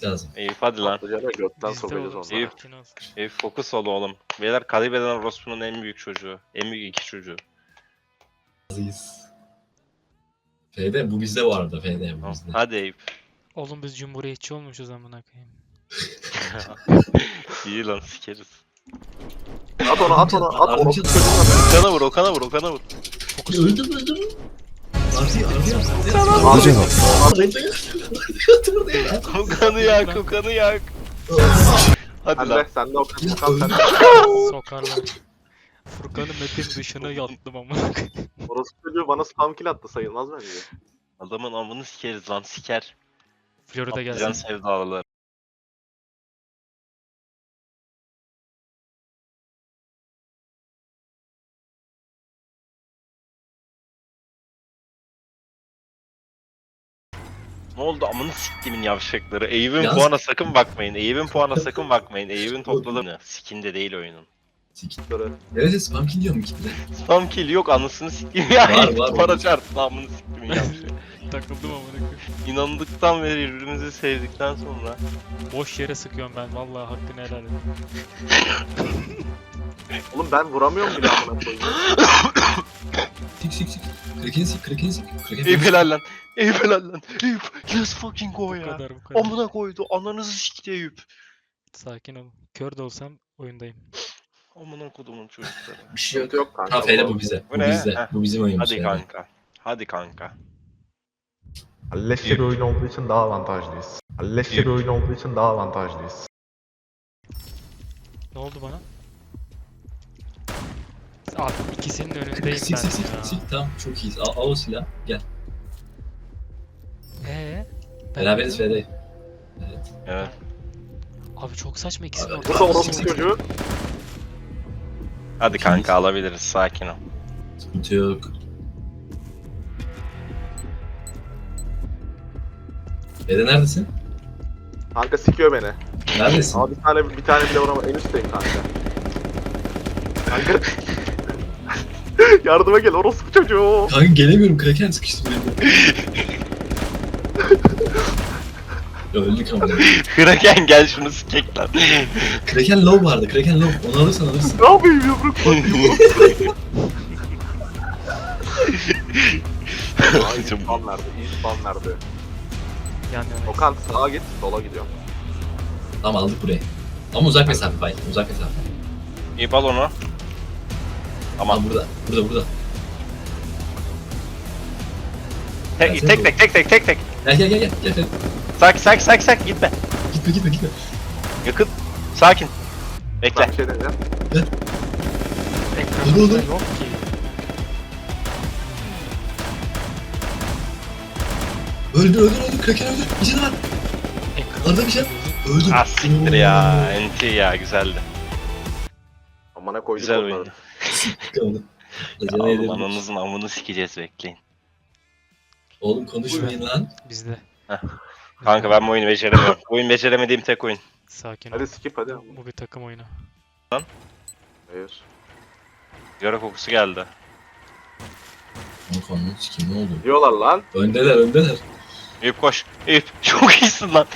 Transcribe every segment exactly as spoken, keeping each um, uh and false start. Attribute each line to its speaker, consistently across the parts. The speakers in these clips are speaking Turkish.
Speaker 1: lazım.
Speaker 2: Eyüp hadi lan.
Speaker 3: Patlıcanı götten
Speaker 4: Bizde
Speaker 3: sokacağız
Speaker 4: oğlum,
Speaker 3: onları.
Speaker 2: Eyüp.
Speaker 4: sakin ol.
Speaker 2: Eyüp fokus ol oğlum. Beyler kaybeden Rospu'nun en büyük çocuğu. En büyük iki çocuğu.
Speaker 1: Razıyız. F'de bu bizde bu arada. F'de bu
Speaker 2: Tamam.
Speaker 1: bizde.
Speaker 2: Hadi Eyüp.
Speaker 4: Oğlum biz cumhuriyetçi olmuşuz amına koyayım.
Speaker 2: İyi lan sikeriz.
Speaker 3: At onu at onu at onu.
Speaker 1: Ardıç-
Speaker 2: Okan'a vur, Okan'a vur, Okan'a vur.
Speaker 1: Öldüm öldüm. Ardi Ardi Ardi.
Speaker 3: Ardıç-
Speaker 2: Okan'ı yak, Okan'ı yak. Hadi
Speaker 3: Sen
Speaker 2: lan.
Speaker 3: de sen de Okan Okan sen de.
Speaker 4: Sokarlar. Furkan'ın map'in dışına yattım amına koyayım.
Speaker 3: Orası çocuğu bana spam kill attı sayılmaz bence.
Speaker 2: Adamın amını sikeriz lan, siker.
Speaker 4: Florida
Speaker 2: Can
Speaker 4: gelsin.
Speaker 2: sevdalılar. Ne oldu amını siktimin yavşakları. Eyüp'ün
Speaker 1: Yaz-
Speaker 2: puana sakın bakmayın. Eyüp'ün puana sakın bakmayın. Eyüp'ün topladığı skinde değil oyunun.
Speaker 3: Böyle.
Speaker 1: Evet spam kill diyorum kitle.
Speaker 2: Spam kill yok anasını siktim ya.
Speaker 1: Var,
Speaker 2: Eyüp
Speaker 1: var,
Speaker 2: para
Speaker 1: var.
Speaker 2: çarptı amını siktimin yavşak.
Speaker 4: Takıldım amına koyayım.
Speaker 2: İnandıktan beri birbirimizi sevdikten sonra.
Speaker 4: Boş yere sıkıyorum ben vallahi hakkını helal et.
Speaker 3: Oğlum ben vuramıyorum bile amına koyayım.
Speaker 1: Sik sik sik. Kraken sik kraken sik. Kraken
Speaker 2: Eyüp
Speaker 1: sik.
Speaker 2: helal lan. Eyüp helal lan. Eyüp let's fucking go
Speaker 4: Bu
Speaker 2: ya.
Speaker 4: kadar bu kadar.
Speaker 2: Amına koydu ananızı sikti Eyüp.
Speaker 4: Sakin ol. Kör de olsam oyundayım.
Speaker 2: Amına kodumun çocukları.
Speaker 1: Bir şey yok.
Speaker 3: Yok kanka.
Speaker 1: Ha F'de bu bize.
Speaker 2: Bu
Speaker 1: Bu
Speaker 2: ne?
Speaker 1: bizde.
Speaker 2: Heh.
Speaker 1: Bu bizim oyunumuz.
Speaker 2: Hadi
Speaker 1: F'de.
Speaker 2: kanka. Hadi kanka.
Speaker 5: Leşçe bir oyun olduğu için daha avantajlıyız. Leşçe bir oyun olduğu için daha avantajlıyız.
Speaker 4: Ne oldu bana? Abi ikisinin önündeyim
Speaker 1: Sik sik sik
Speaker 4: ben ya.
Speaker 1: sik. Tamam çok iyiyiz. Al, al o silah. Gel.
Speaker 4: Eee? Ben
Speaker 1: Beraberiz
Speaker 4: de-
Speaker 1: F'de.
Speaker 2: Evet.
Speaker 4: Abi çok saçma ikisinin
Speaker 1: Abi,
Speaker 4: ortası.
Speaker 3: Burada orospu çocuğu.
Speaker 2: Hadi kanka alabiliriz sakin ol.
Speaker 1: Sıkıntı yok. F'de neredesin?
Speaker 3: Kanka sikiyor beni.
Speaker 1: Neredesin?
Speaker 3: Abi bir tane bir tane bile vuramam. En üstteyim kanka. Kanka. Yardıma gel orospu çocuğu.
Speaker 1: Kanka gelemiyorum. Kraken sıkıştı beni. Öldük ama.
Speaker 2: Kraken gel şunu sikek lan.
Speaker 1: Kraken low vardı. Kraken low. Onu alırsan alırsın.
Speaker 3: Ne yapayım yumruk batıyor. Ay spam verdi. İyi spam verdi.
Speaker 4: Yan yana.
Speaker 3: Okan sağa git sola gidiyorum.
Speaker 1: Tamam aldık burayı. Ama uzak mesafe bay. Uzak mesafe.
Speaker 2: İyi al onu.
Speaker 1: Ama
Speaker 2: Tamam.
Speaker 1: burada. Burada burada.
Speaker 2: Tek tek tek tek tek tek tek.
Speaker 1: Gel gel gel gel. Gel gel.
Speaker 2: Sak sak sak sak gitme.
Speaker 1: Gitme gitme gitme.
Speaker 2: Yakın. Sakin. Bekle.
Speaker 3: Ben bir şey deneyeceğim.
Speaker 1: Dur, dur, dur.
Speaker 4: Ekranımda yok ki.
Speaker 1: Öldü öldü öldü. Kraken öldü. Bir şey var.
Speaker 4: Ekranımda
Speaker 1: Arada bir şey. Öldü.
Speaker 2: Ah siktir ya. Enti ya güzeldi.
Speaker 3: Amına koyduk
Speaker 2: Güzel
Speaker 3: onları.
Speaker 2: oyun.
Speaker 1: Kaldı.
Speaker 2: Ya
Speaker 1: Acele
Speaker 2: oğlum
Speaker 1: edelim.
Speaker 2: ananızın amını sikeceğiz bekleyin.
Speaker 1: Oğlum konuşmayın lan.
Speaker 4: Bizde.
Speaker 2: Kanka ben bu oyunu beceremiyorum. Bu oyun beceremediğim tek oyun.
Speaker 4: Sakin ol.
Speaker 3: Hadi skip hadi.
Speaker 4: Bu bir takım oyunu.
Speaker 3: Hayır.
Speaker 2: Yara kokusu geldi.
Speaker 1: Kanka anlat sikeyim ne oldu?
Speaker 3: Diyorlar lan.
Speaker 1: Öndeler öndeler.
Speaker 2: Eyüp koş. Eyüp çok iyisin lan.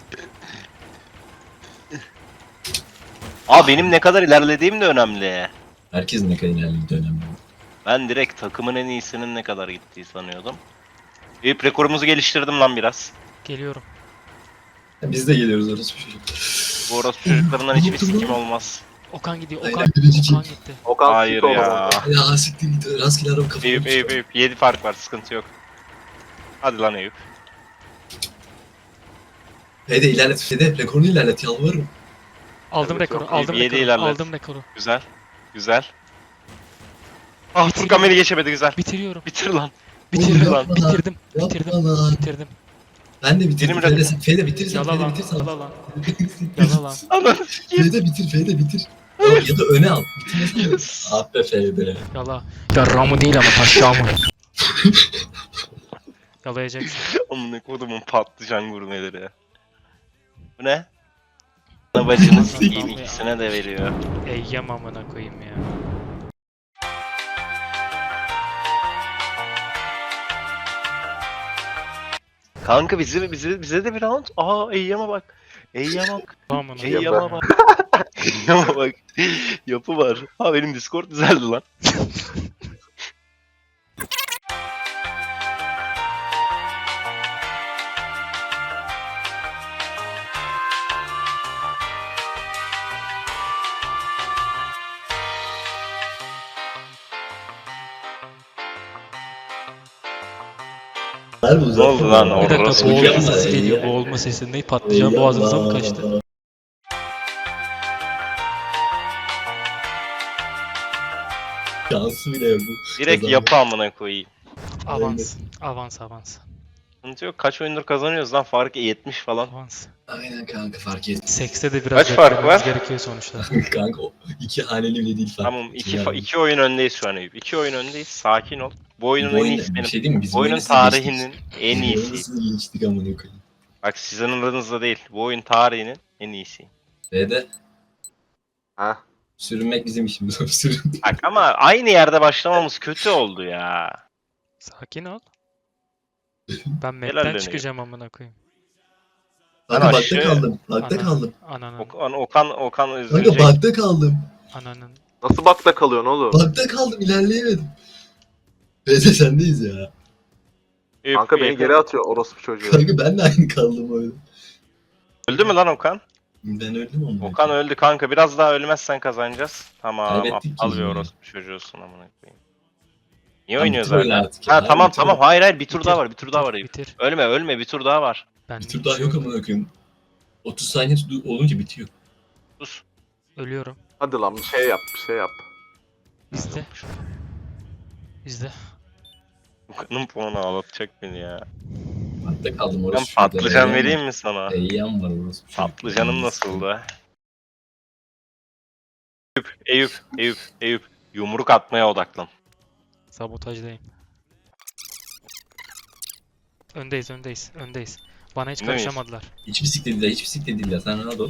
Speaker 2: Aa benim ne kadar ilerlediğim de önemli.
Speaker 1: Herkesin ne kadar ilerlediği önemli.
Speaker 2: Ben direkt takımın en iyisinin ne kadar gittiği sanıyordum. Eyüp rekorumuzu geliştirdim lan biraz.
Speaker 4: Geliyorum.
Speaker 1: Biz de geliyoruz orası bir çocuk.
Speaker 2: Bu orospu çocuklarından hiçbir sikim olmaz.
Speaker 4: Okan gidiyor.
Speaker 1: Aynen,
Speaker 4: Okan,
Speaker 1: birinci
Speaker 4: Okan
Speaker 1: kill.
Speaker 4: gitti.
Speaker 3: Okan
Speaker 2: Hayır
Speaker 3: skip
Speaker 2: ya.
Speaker 3: olmadı.
Speaker 1: Ya siktir git rastgele araba kafamı.
Speaker 2: Eyüp Eyüp Eyüp. yedi fark var sıkıntı yok. Hadi lan Eyüp.
Speaker 1: Fede ilerlet Fede rekorunu ilerlet yalvarırım.
Speaker 4: Aldım
Speaker 3: Evet,
Speaker 4: rekoru.
Speaker 3: yok.
Speaker 4: Aldım
Speaker 2: Yedi
Speaker 4: rekoru.
Speaker 2: ilerlet.
Speaker 4: Aldım rekoru.
Speaker 2: Güzel. Güzel. Ah Furkan beni geçemedi güzel.
Speaker 4: Bitiriyorum.
Speaker 2: Bitir lan.
Speaker 4: Bitirdim.
Speaker 2: lan.
Speaker 4: Bitirdim.
Speaker 1: Yapma
Speaker 4: Bitirdim.
Speaker 1: lan.
Speaker 4: Bitirdim.
Speaker 1: Ben de bitirdim.
Speaker 2: Benim
Speaker 1: Fede,
Speaker 2: rekor-
Speaker 1: sen- Fede bitir sen.
Speaker 4: Yala
Speaker 1: Fede
Speaker 4: lan.
Speaker 1: bitir sen.
Speaker 4: Yala lan. Yala lan.
Speaker 2: Ananı sikeyim.
Speaker 1: Fede bitir Fede bitir. Al, ya da öne al. Bitirmesene. Ah be Fede.
Speaker 4: Yala. Yarramı değil ama taşağımı. Yalayacaksın.
Speaker 2: Amına kodumun patlıcan gurmeleri. Bu ne? Ana bacını sikeyim ikisine de veriyor.
Speaker 4: Eyyem amına koyayım ya.
Speaker 2: Kanka bize bize bize de bir round. Aa Eyyam'a bak. Eyyama bak.
Speaker 4: Aman
Speaker 3: Şey-
Speaker 2: Eyyama bak. Eyyama bak. Yapı var. Ha benim Discord güzeldi lan.
Speaker 1: Ne
Speaker 2: oldu lan
Speaker 4: Bir dakika
Speaker 2: orası
Speaker 4: boğulma
Speaker 2: mükemmel.
Speaker 4: sesi geliyor. Boğulma sesi. Ne patlıcan boğazınıza mı kaçtı?
Speaker 1: Şansı bile yok bu.
Speaker 2: Direkt
Speaker 1: Kazandı.
Speaker 2: yapı amına koyayım.
Speaker 4: Avans. Avans avans.
Speaker 2: Sıkıntı yok. Kaç oyundur kazanıyoruz lan? Farkı yetmiş falan.
Speaker 4: Avans.
Speaker 1: Aynen kanka fark et.
Speaker 4: Sekste de biraz
Speaker 2: Kaç fark
Speaker 4: beklememiz
Speaker 2: var?
Speaker 4: gerekiyor sonuçta.
Speaker 1: Kanka o iki haneli bile değil fark.
Speaker 2: Tamam iki,
Speaker 1: Yani
Speaker 2: fa- iki oyun öndeyiz şu an Eyüp. İki oyun öndeyiz. Sakin ol. Bu oyunun
Speaker 1: bu
Speaker 2: en
Speaker 1: oyunda
Speaker 2: iyisi
Speaker 1: bir
Speaker 2: benim.
Speaker 1: şey değil mi? Biz
Speaker 2: Bu oyunun
Speaker 1: oyunu
Speaker 2: tarihinin
Speaker 1: geçtik.
Speaker 2: en
Speaker 1: Biz
Speaker 2: iyisi.
Speaker 1: oyunu geçtik amına koyayım.
Speaker 2: Bak sizin aranızda değil. Bu oyun tarihinin en iyisi.
Speaker 1: Ve
Speaker 3: Ha?
Speaker 1: sürünmek bizim işimiz. Sürün.
Speaker 2: Bak ama aynı yerde başlamamız kötü oldu ya.
Speaker 4: Sakin ol. Ben
Speaker 2: Helal
Speaker 4: map'ten
Speaker 2: dönüyor.
Speaker 4: çıkacağım amına koyayım.
Speaker 1: Kanka bakta
Speaker 2: aşağı-
Speaker 1: kaldım. Bakta
Speaker 4: Ana-
Speaker 1: kaldım.
Speaker 4: Ananın.
Speaker 2: Okan Okan Okan
Speaker 1: Kanka
Speaker 2: üzülecek.
Speaker 1: bakta kaldım.
Speaker 4: Ananın.
Speaker 3: Nasıl bakta kalıyorsun oğlum?
Speaker 1: Bakta kaldım ilerleyemedim. Ve sendeyiz ya.
Speaker 2: Eyüp,
Speaker 3: Kanka beni
Speaker 2: Eyüp.
Speaker 3: geri atıyor orospu çocuğu.
Speaker 1: Kanka ben de aynı kaldım öyle.
Speaker 2: Öldü mü lan Okan?
Speaker 1: Ben öldüm ama.
Speaker 2: Okan öldü kanka. Biraz daha ölmezsen kazanacağız. Tamam.
Speaker 1: Kaybettik
Speaker 2: Aptal
Speaker 1: ki
Speaker 2: bir
Speaker 1: yine.
Speaker 2: orospu çocuğusun amına koyayım. Niye
Speaker 1: Tamam,
Speaker 2: oynuyoruz
Speaker 1: bitir oyunu
Speaker 2: hala?
Speaker 1: artık ya.
Speaker 2: Ha tamam
Speaker 1: Bitir
Speaker 2: tamam.
Speaker 1: oyunu.
Speaker 2: Hayır hayır bir tur
Speaker 4: Bitir,
Speaker 2: daha var. Bir tur daha
Speaker 4: bitir,
Speaker 2: var Eyüp.
Speaker 4: Bitir.
Speaker 2: Ölme ölme bir tur daha var.
Speaker 4: Ben
Speaker 1: Bir tur daha yok
Speaker 4: şey-
Speaker 1: amına koyayım. otuz saniye tu- olunca bitiyor.
Speaker 2: Sus.
Speaker 4: Ölüyorum.
Speaker 3: Hadi lan bir şey yap bir şey yap.
Speaker 4: İzle. İzle.
Speaker 2: Okan'ın puanı ağlatacak beni ya.
Speaker 1: Bakta kaldım
Speaker 2: Ben
Speaker 1: orası.
Speaker 2: patlıcan vereyim mi sana?
Speaker 1: Eyyam var orası.
Speaker 2: Patlıcanım nasıldı? Eyüp, Eyüp, Eyüp, Eyüp. Yumruk atmaya odaklan.
Speaker 4: Sabotajdayım. Öndeyiz öndeyiz öndeyiz. Bana hiç
Speaker 2: Önde miyiz?
Speaker 4: karışamadılar.
Speaker 1: Hiçbir siklet değil, hiçbir siklet değil ya. Sen rahat ol.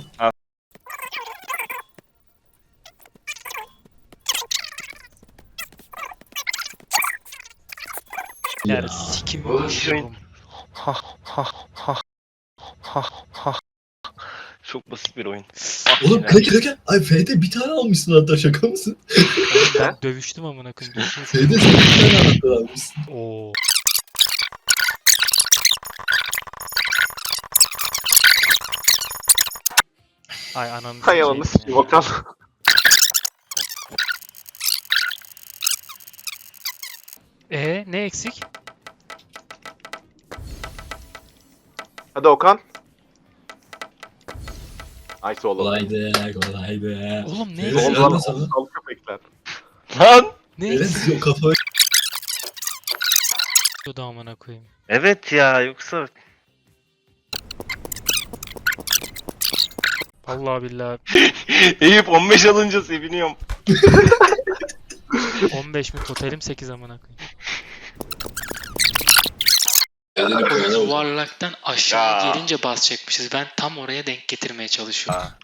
Speaker 4: Yer
Speaker 1: Ya.
Speaker 4: sikim
Speaker 2: Oğlum,
Speaker 4: yaşıyorum.
Speaker 2: Ha ha ha ha ha. Çok basit bir oyun. Ah,
Speaker 1: Oğlum
Speaker 2: yine.
Speaker 1: kanka kanka. Ay F'de bir tane almışsın hatta şaka mısın?
Speaker 4: Oğlum ben dövüştüm amına koyayım. Dövüştüm.
Speaker 1: F'de sen bir tane anahtar almışsın.
Speaker 4: Oo. Ay ananı
Speaker 3: Hay ananı sikeyim Okan.
Speaker 4: Ee ne eksik?
Speaker 3: Hadi Okan. Nice oğlum.
Speaker 1: Kolaydı, kolaydı.
Speaker 4: Oğlum ne
Speaker 1: Evet,
Speaker 4: eksik?
Speaker 3: Oğlum
Speaker 1: helal
Speaker 3: lan
Speaker 1: sana.
Speaker 3: aptal köpekler.
Speaker 2: Lan!
Speaker 4: Ne
Speaker 1: Evet
Speaker 4: eksik?
Speaker 1: siz o kafayı
Speaker 4: Da amına koyayım.
Speaker 2: Evet ya yoksa
Speaker 4: Vallahi billahi
Speaker 2: Eyüp on beş alınca seviniyorum.
Speaker 4: on beş mi totalim sekiz amına
Speaker 1: Kendini
Speaker 4: koyayım.
Speaker 1: koyana bak.
Speaker 4: Yuvarlaktan aşağı
Speaker 2: Ya.
Speaker 4: gelince basacakmışız. Ben tam oraya denk getirmeye çalışıyorum.
Speaker 2: Ha.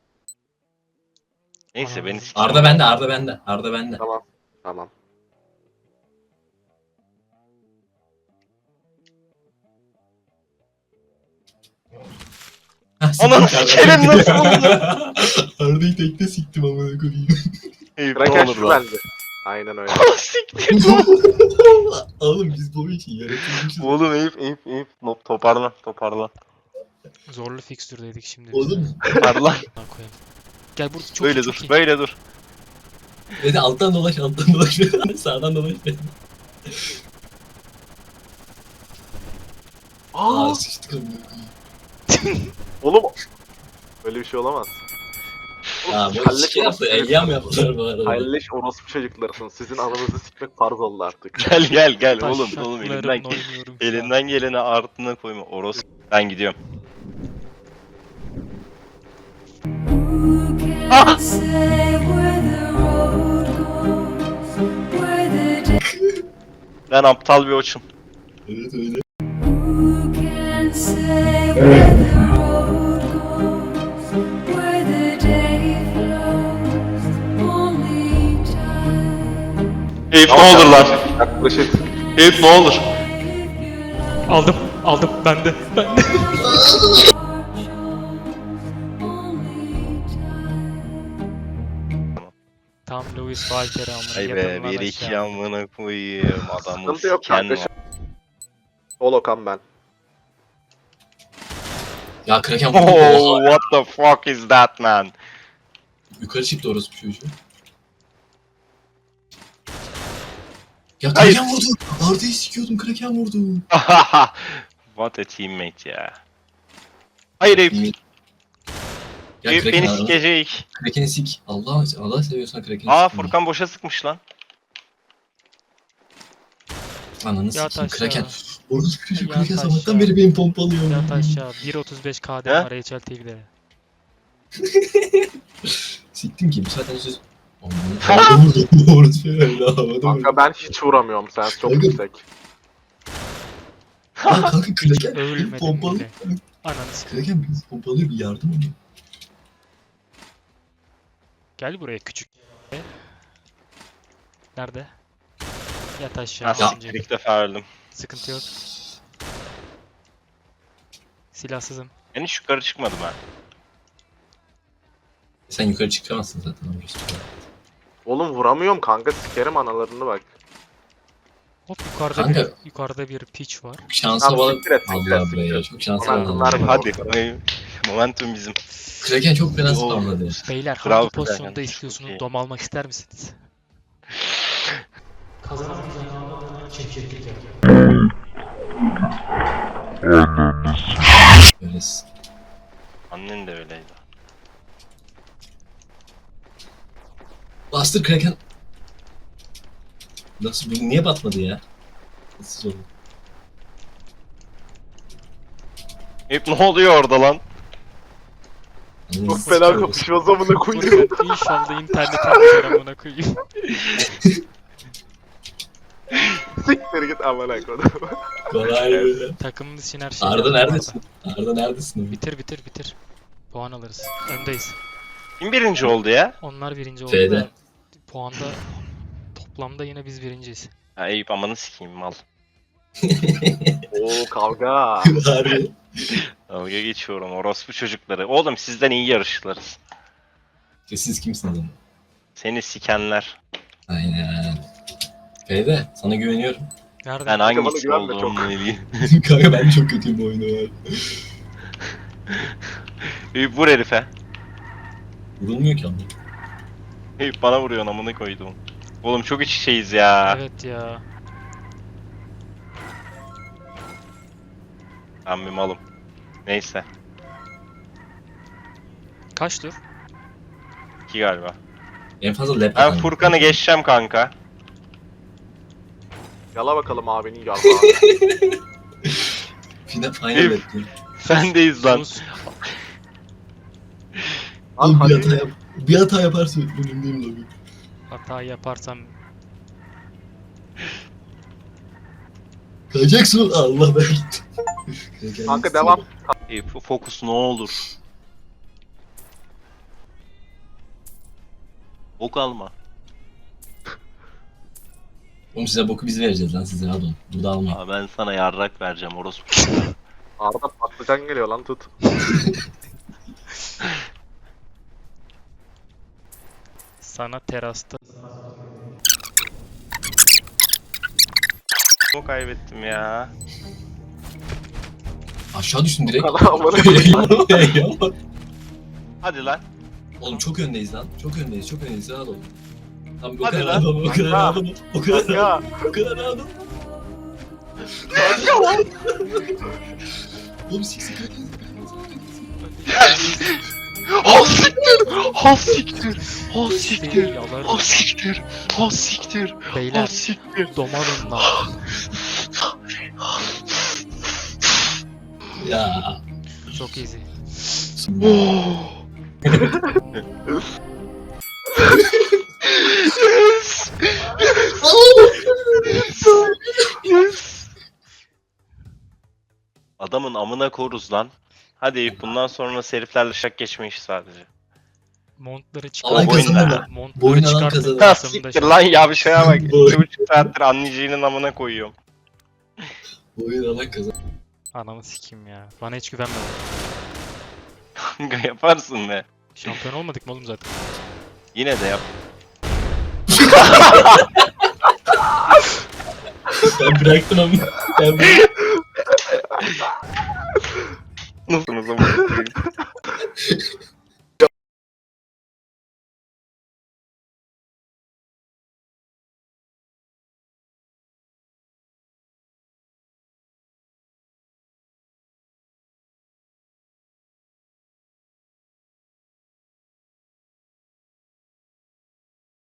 Speaker 2: Neyse beni s-
Speaker 1: Arda bende, Arda bende, Arda bende.
Speaker 3: Tamam. Tamam.
Speaker 1: Ha,
Speaker 2: Ananı
Speaker 1: siktim
Speaker 2: sikerim
Speaker 1: Arda'yı.
Speaker 2: nasıl oldu?
Speaker 1: Arda'yı tekte siktim amına koyayım.
Speaker 2: Eyüp ne
Speaker 3: Kraken
Speaker 2: olur
Speaker 3: şu
Speaker 2: lan.
Speaker 3: bence. Aynen öyle.
Speaker 2: Siktir.
Speaker 1: Oğlum biz bu için yaratılmışız.
Speaker 2: Oğlum Eyüp Eyüp Eyüp. Nop toparlan toparlan.
Speaker 4: Zorlu fikstürdeydik şimdi.
Speaker 1: Oğlum
Speaker 2: Toparlan.
Speaker 4: Amına koyayım. Gel burada çok
Speaker 2: Böyle
Speaker 4: iyi, çok
Speaker 2: dur
Speaker 4: iyi.
Speaker 2: böyle dur.
Speaker 1: dedi alttan dolaş, alttan dolaş. Sağdan dolaş.
Speaker 3: Aa,
Speaker 1: Aa sıçtık amına koyayım.
Speaker 3: oğlum. Böyle bir şey olamaz.
Speaker 1: Ya bu
Speaker 3: Kalleş
Speaker 1: iki yaptı,
Speaker 3: orospu
Speaker 1: eyyam yaptılar bu arada.
Speaker 3: Kalleş orospu çocuklarısınız. Sizin ananızı sikmek farz oldu artık.
Speaker 2: Gel gel gel
Speaker 4: Taş
Speaker 2: oğlum oğlum
Speaker 4: şartlarımla
Speaker 2: elinden
Speaker 4: oynuyorum şu an.
Speaker 2: elinden geleni ardına koyma Oros. Ben gidiyorum.
Speaker 6: Who can say where the road goes, where the day
Speaker 2: Ben aptal bir oçum.
Speaker 1: Evet öyle.
Speaker 6: Who can say where the road goes, where the day flows, only time.
Speaker 2: Eyüp ne olur lan.
Speaker 3: Yaklaşık.
Speaker 2: Eyüp ne olur.
Speaker 6: If you love
Speaker 4: Aldım aldım bende bende.
Speaker 6: march on,
Speaker 4: Adam Louis Walker'ı amına
Speaker 2: Ay be
Speaker 4: yatırılan
Speaker 2: bir iki
Speaker 4: aşağı.
Speaker 2: amına koyayım adamı
Speaker 3: Sıkıntı yok
Speaker 2: siken
Speaker 3: kanka.
Speaker 2: var.
Speaker 3: Holokan ben.
Speaker 1: Ya Kraken vurdu.
Speaker 2: Oh
Speaker 1: Oha.
Speaker 2: what the fuck is that man?
Speaker 1: Yukarı çıktı orası bir çocuğu. Ya
Speaker 2: Hayır.
Speaker 1: Kraken vurdu. Arda'yı sikiyordum, Kraken vurdu.
Speaker 2: What a teammate ya. Hayır Eyüp.
Speaker 1: Ya
Speaker 2: Eyüp
Speaker 1: Kraken
Speaker 2: beni
Speaker 1: Arda'nı-
Speaker 2: sikecek.
Speaker 1: Kraken'i sik. Allah Allah seviyorsan Kraken'i
Speaker 2: Aa
Speaker 1: sik.
Speaker 2: Furkan boşa sıkmış lan.
Speaker 1: Ananı
Speaker 4: Yat
Speaker 1: sikeyim.
Speaker 4: aşağı.
Speaker 1: Kraken. Orası bir çocuk.
Speaker 4: Yat
Speaker 1: Kraken
Speaker 4: aşağı.
Speaker 1: sabahtan beri beni pompalıyor.
Speaker 4: Yat aşağı. bir otuz beş K D
Speaker 2: He?
Speaker 4: var H L T V'de.
Speaker 1: Siktim ki. Bu zaten söz... Havada vurdu. Orası şöyle havada vurdu.
Speaker 3: Kanka ben hiç vuramıyorum, sen çok
Speaker 1: Kanka-
Speaker 3: yüksek.
Speaker 1: Lan kanka Kraken beni
Speaker 4: Ölmedim
Speaker 1: pompalıyor.
Speaker 4: bile. Ananı sikeyim.
Speaker 1: Kraken beni pompalıyor. Bir yardım onu.
Speaker 4: Gel buraya küçük. Nerede? Yat aşağı.
Speaker 2: Ha
Speaker 4: altıncı.
Speaker 2: siktir ilk defa öldüm.
Speaker 4: Sıkıntı yok. Silahsızım.
Speaker 2: Ben hiç yukarı çıkmadım ha.
Speaker 1: Sen yukarı çıkamazsın zaten orası.
Speaker 3: Oğlum vuramıyorum kanka, sikerim analarını bak.
Speaker 4: Hop yukarıda
Speaker 1: Kanka.
Speaker 4: bir yukarıda bir pitch var.
Speaker 1: Çok şansa
Speaker 3: Tamam,
Speaker 1: bağlı.
Speaker 3: siktir et, siktir et,
Speaker 1: Allah
Speaker 3: siktir
Speaker 1: be ya.
Speaker 3: et.
Speaker 1: Çok şansa
Speaker 3: Momentum
Speaker 1: bağlı.
Speaker 3: ver bana.
Speaker 2: Hadi. Ay, Momentum bizim.
Speaker 1: Kraken çok fena
Speaker 2: Oo.
Speaker 1: spamladı.
Speaker 4: Beyler
Speaker 2: Bravo
Speaker 4: hangi
Speaker 2: Furkan,
Speaker 4: pozisyonda
Speaker 2: çok
Speaker 4: istiyorsunuz?
Speaker 2: iyi.
Speaker 4: Dom almak ister misiniz?
Speaker 1: Öylesin.
Speaker 2: Annen de öyleydi.
Speaker 1: Bastır Kraken. Nasıl bu niye batmadı ya? Nasıl oldu?
Speaker 2: Eyüp ne oluyor orada lan?
Speaker 3: Çok fena kapışmaz amına koyayım.
Speaker 4: Furkan inşallah internet açar amına koyayım.
Speaker 3: Siktir git amına koyayım.
Speaker 1: Kolay be.
Speaker 4: Takımımız için her şey.
Speaker 1: Arda
Speaker 4: yaptım
Speaker 1: neredesin? Arda neredesin?
Speaker 4: Arda. Bitir bitir bitir. Puan alırız. Öndeyiz.
Speaker 2: Kim birinci oldu ya?
Speaker 4: Onlar birinci oldu
Speaker 1: F'de.
Speaker 4: da puanda toplamda yine biz birinciyiz.
Speaker 2: Ha Eyüp amanı sikeyim mal.
Speaker 3: Oo kavga.
Speaker 1: Harbi.
Speaker 2: Dalga geçiyorum orospu çocukları. Oğlum sizden iyi yarışırız.
Speaker 1: Ya Siz kimsiniz ama?
Speaker 2: Seni sikenler.
Speaker 1: Aynen. F'de sana güveniyorum.
Speaker 4: Nerede?
Speaker 2: Ben
Speaker 3: bana
Speaker 2: hangisi
Speaker 3: güvenme çok.
Speaker 2: olduğumu bileyim.
Speaker 1: Kanka ben çok kötüyüm bu oyunda var.
Speaker 2: Eyüp vur herife.
Speaker 1: Vurulmuyor ki ama.
Speaker 2: Eyüp bana vuruyor amına koydum. Oğlum çok iç içeyiz ya.
Speaker 4: Evet ya.
Speaker 2: Ben bir malım. Neyse.
Speaker 4: Kaç tur?
Speaker 2: iki galiba.
Speaker 1: En fazla lap
Speaker 2: Ben
Speaker 1: atarım.
Speaker 2: Furkan'ı geçeceğim kanka.
Speaker 3: Yala bakalım abinin yarrağı.
Speaker 1: Final, final
Speaker 2: Eyüp.
Speaker 1: bekliyorum.
Speaker 2: Sendeyiz lan.
Speaker 4: Sus.
Speaker 3: Lan
Speaker 1: Oğlum bir hata,
Speaker 3: hadi.
Speaker 1: yap bir hata yaparsa önümdeyim lobi.
Speaker 4: Hata yaparsam
Speaker 1: Kayacaksın. Allah ben gittim. Kraken
Speaker 3: Kanka
Speaker 1: gitsin.
Speaker 3: devam.
Speaker 2: Eyüp fokus ne olur. Ok alma.
Speaker 1: Oğlum size boku biz vereceğiz lan, size rahat olun. Burada almayın.
Speaker 2: Aa, ben sana yarrak vereceğim orospu.
Speaker 3: Arda patlıcan geliyor lan, tut.
Speaker 4: sana terasta
Speaker 2: Çok kaybettim ya.
Speaker 1: Aşağı düştüm direkt.
Speaker 3: Bu kadar amına
Speaker 2: Hadi lan.
Speaker 1: Oğlum çok öndeyiz lan. Çok öndeyiz, çok öndeyiz. Rahat olun. Tam o
Speaker 2: Hadi
Speaker 1: kadar
Speaker 2: lan.
Speaker 1: rahat olun, o kadar
Speaker 3: Kanka.
Speaker 1: rahat olun. O kadar rahat olun,
Speaker 3: Kanka.
Speaker 1: o kadar rahat olun. Oğlum sik sik
Speaker 2: Ha siktir! Ha siktir! Ha siktir!
Speaker 4: yalarım.
Speaker 2: Ha siktir! Ha siktir! Ha
Speaker 4: Beyler
Speaker 2: siktir!
Speaker 4: domalın lan.
Speaker 1: Ya.
Speaker 4: Çok easy.
Speaker 2: Yes! Yes! Adamın amına koruz lan. Hadi Eyüp bundan sonra heriflerle şak geçme işi sadece.
Speaker 4: Montları
Speaker 1: Alan
Speaker 4: çıkart.
Speaker 2: kazanır
Speaker 1: kazanır.
Speaker 2: lan.
Speaker 4: Montları
Speaker 1: Boyun alan
Speaker 4: çıkartıp
Speaker 1: kazanır.
Speaker 2: Ha
Speaker 4: kasımda
Speaker 2: siktir lan ya bir şeye bak.
Speaker 1: Boy.
Speaker 2: İki buçuk saattir anneciğinin amına koyuyorum.
Speaker 1: Bu oyun alan kazan.
Speaker 4: Anamı sikeyim ya. Bana hiç güvenme.
Speaker 2: Kanka yaparsın be.
Speaker 4: Şampiyon olmadık mı oğlum zaten?
Speaker 2: Yine de yap.
Speaker 1: Ben bıraktım ama. Ben bıraktım.
Speaker 2: Nasılsınız ama?